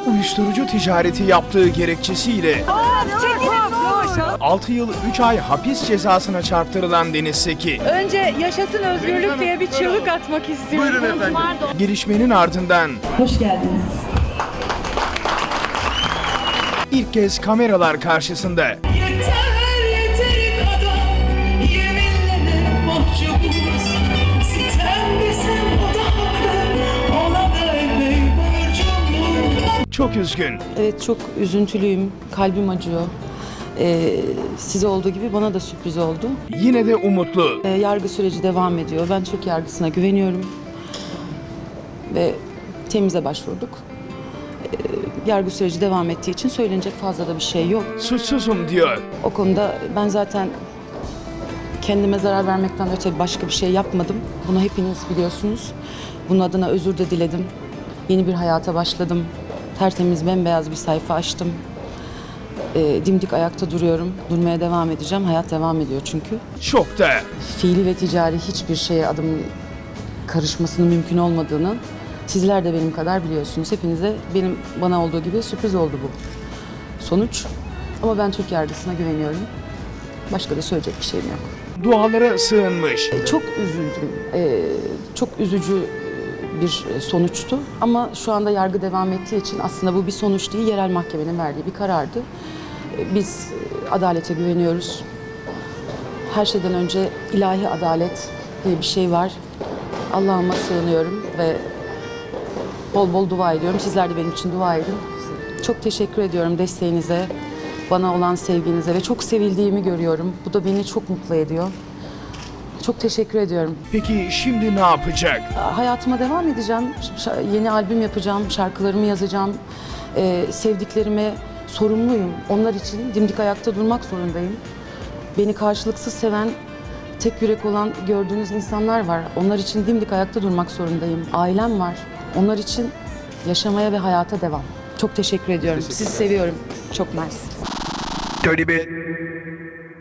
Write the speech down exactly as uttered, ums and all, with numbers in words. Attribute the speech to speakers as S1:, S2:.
S1: Uyuşturucu ticareti yaptığı gerekçesiyle altı yıl üç ay hapis cezasına çarptırılan Deniz Seki,
S2: Önce yaşasın özgürlük diye bir çığlık atmak istiyorum.
S3: Buyurun efendim.
S1: gelişmenin ardından
S4: Hoş geldiniz.
S1: ilk kez kameralar karşısında
S5: Yeter yeter kadar yeminlere mahcubuz. Sitem desem o da haklı, ona da epey borcumuz.
S1: çok üzgün,
S6: Evet, çok üzüntülüyüm, kalbim acıyor. Ee, size olduğu gibi bana da sürpriz oldu.
S1: yine de umutlu.
S6: Ee, yargı süreci devam ediyor. Ben Türk yargısına güveniyorum. Ve temize başvurduk. Ee, yargı süreci devam ettiği için söylenecek fazla da bir şey yok.
S1: Suçsuzum diyor.
S6: O konuda ben zaten kendime zarar vermekten öte başka bir şey yapmadım. Bunu hepiniz biliyorsunuz. Bunun adına özür de diledim. Yeni bir hayata başladım. Tertemiz, bembeyaz bir sayfa açtım. Ee, dimdik ayakta duruyorum. Durmaya devam edeceğim. Hayat devam ediyor çünkü.
S1: Şokta.
S6: Fiili ve ticari hiçbir şeye adım karışmasının mümkün olmadığını sizler de benim kadar biliyorsunuz. Hepinize benim bana olduğu gibi sürpriz oldu bu sonuç. Ama ben Türk yargısına güveniyorum. Başka da söyleyecek bir şeyim yok.
S1: Dualara sığınmış.
S6: Çok üzüldüm. Ee, çok üzücü bir sonuçtu. Ama şu anda yargı devam ettiği için aslında bu bir sonuç değil, yerel mahkemenin verdiği bir karardı. Ee, Biz adalete güveniyoruz. Her şeyden önce ilahi adalet diye bir şey var. Allah'ıma sığınıyorum ve bol bol dua ediyorum. Sizler de benim için dua edin. Çok teşekkür ediyorum desteğinize, bana olan sevginize ve çok sevildiğimi görüyorum. Bu da beni çok mutlu ediyor. Çok teşekkür ediyorum.
S1: Peki şimdi ne yapacak?
S6: Hayatıma devam edeceğim. Ş- Yeni albüm yapacağım, şarkılarımı yazacağım. Ee, sevdiklerime sorumluyum. Onlar için dimdik ayakta durmak zorundayım. Beni karşılıksız seven, tek yürek olan gördüğünüz insanlar var. Onlar için dimdik ayakta durmak zorundayım. Ailem var. Onlar için yaşamaya ve hayata devam. Çok teşekkür ediyorum. Sizi seviyorum. Çok mersi.
S1: Dirty bit.